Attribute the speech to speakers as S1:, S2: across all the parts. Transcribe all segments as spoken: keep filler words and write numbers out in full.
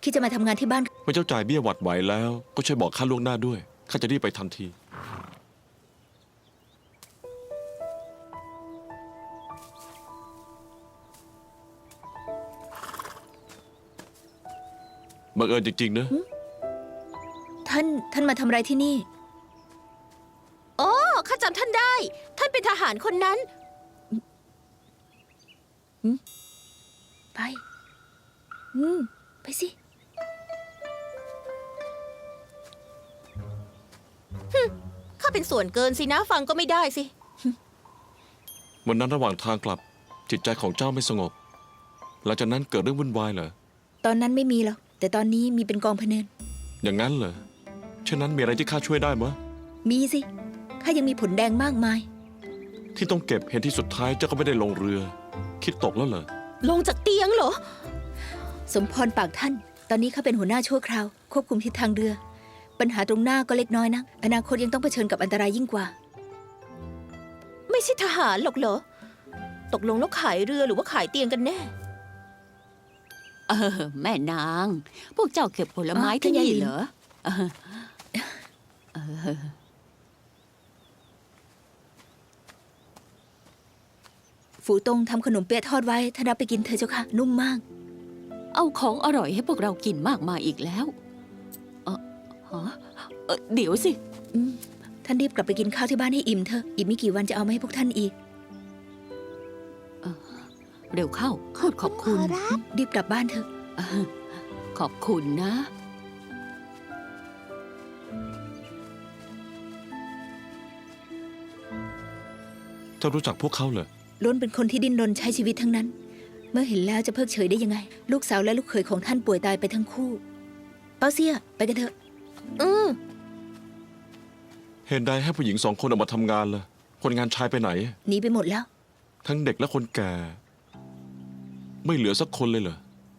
S1: คิดจะมาทำงานที่บ้าน
S2: เมื่อเจ้าจ่ายเบี้ยหวัดไหวแล้วก็ช่วยบอกข้าล่วงหน้าด้วยข้าจะรีบไปทันทีบังเอิญจริงๆนะ
S1: ท่านท่านมาทำอะไรที่นี่
S3: โอ้ข้าจำท่านได้ ท่านเป็นทหารคนนั้น
S1: ไปอืมไปสิ
S3: ข้าเป็นส่วนเกินสินะฟังก็ไม่ได้สิ
S2: วันนั้นระหว่างทางกลับจิตใจของเจ้าไม่สงบหลังจากนั้นเกิดเรื่องวุ่นวายเหรอ
S1: ตอนนั้นไม่มีหรอกแต่ตอนนี้มีเป็นกองพะเนิน
S2: อย่างนั้นเหรอเช่นนั้นมีอะไรที่ข้าช่วยได้มั้ย
S1: มีสิข้ายังมีผลแดงมากมาย
S2: ที่ต้องเก็บเห็นที่สุดท้ายเจ้าก็ไม่ได้ลงเรือคิดตกแล้วเหรอ
S3: ลงจากเตียงเหรอ
S1: สมพรปากท่านตอนนี้ข้าเป็นหัวหน้าชั่วคราวควบคุมทิศทางเรือปัญหาตรงหน้าก็เล็กน้อยนะอนาคตยังต้องเผชิญกับอันตรายยิ่งกว่า
S3: ไม่ใช่ทหารหรอกเหรอตกลงแล้วขายเรือหรือว่าขายเตียงกันแน่
S4: เออแม่นางพวกเจ้าเก็บผลไม้ที่นี่เหรอ
S1: ฝูตงทำขนมเปี๊ยะทอดไว้ท่านรับไปกินเถอะเจ้าค่ะนุ่มมาก
S4: เอาของอร่อยให้พวกเรากินมากมายอีกแล้วเออเออเดี๋ยวสิ
S1: ท่านรีบกลับไปกินข้าวที่บ้านให้อิ่มเถอะอีกไม่กี่วันจะเอามาให้พวกท่านอีก
S4: เร็วเข้าพูดขอบคุณ
S1: รีบกลับบ้านเถอะ
S4: ขอบคุณนะ
S2: เจ้ารู้จักพวกเขาเหรอ
S1: ล้วนเป็นคนที่ดิ้นรนใช้ชีวิตทั้งนั้นเมื่อเห็นแล้วจะเพิกเฉยได้ยังไงลูกสาวและลูกเขยของท่านป่วยตายไปทั้งคู่เปาเซียไปกันเถอะ
S3: อือ
S2: เห็นใดให้ผู้หญิงสองคนออกมาทำงานล่ะคนงานชายไปไหน
S1: หนีไปหมดแล้ว
S2: ทั้งเด็กและคนแก่ไม่เหลือสักคนเลยเหรอ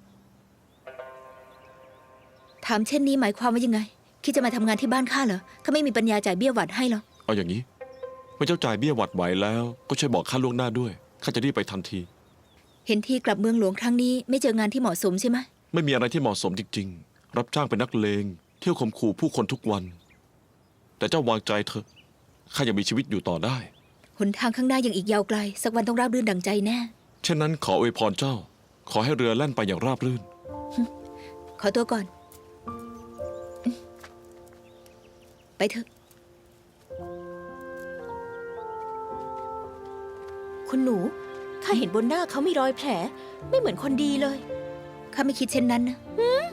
S1: ถามเช่นนี้หมายความว่ายังไงคิดจะมาทำงานที่บ้านข้าเหรอข้าไม่มีปัญญาจ่ายเบี้ยหวัดให้หรอก
S2: เอาอย่างนี้เมื่อเจ้าจ่ายเบี้ยหวัดไหวแล้วก็ช่วยบอกข้าล่วงหน้าด้วยข้าจะรีบไปทันที
S1: เห็นที่กลับเมืองหลวงครั้งนี้ไม่เจองานที่เหมาะสมใช่ไหม
S2: ไม่มีอะไรที่เหมาะสมจริงๆรับจ้างเป็นนักเลงเที่ยวข่มขู่ผู้คนทุกวันแต่เจ้าวางใจเถอะข้ายังมีชีวิตอยู่ต่อได้
S1: หนทางข้างหน้ายังอีกยาวไกลสักวันต้องราบรื่นดังใจแน่
S2: เช่นนั้นขออวยพรเจ้าขอให้เรือแล่นไปอย่างราบรื่น
S1: ขอตัวก่อนไปเถอะ
S3: คุณหนูข้าเห็นบนหน้าเขามีรอยแผลไม่เหมือนคนดีเลย
S1: ข้าไม่คิดเช่นนั้นนะ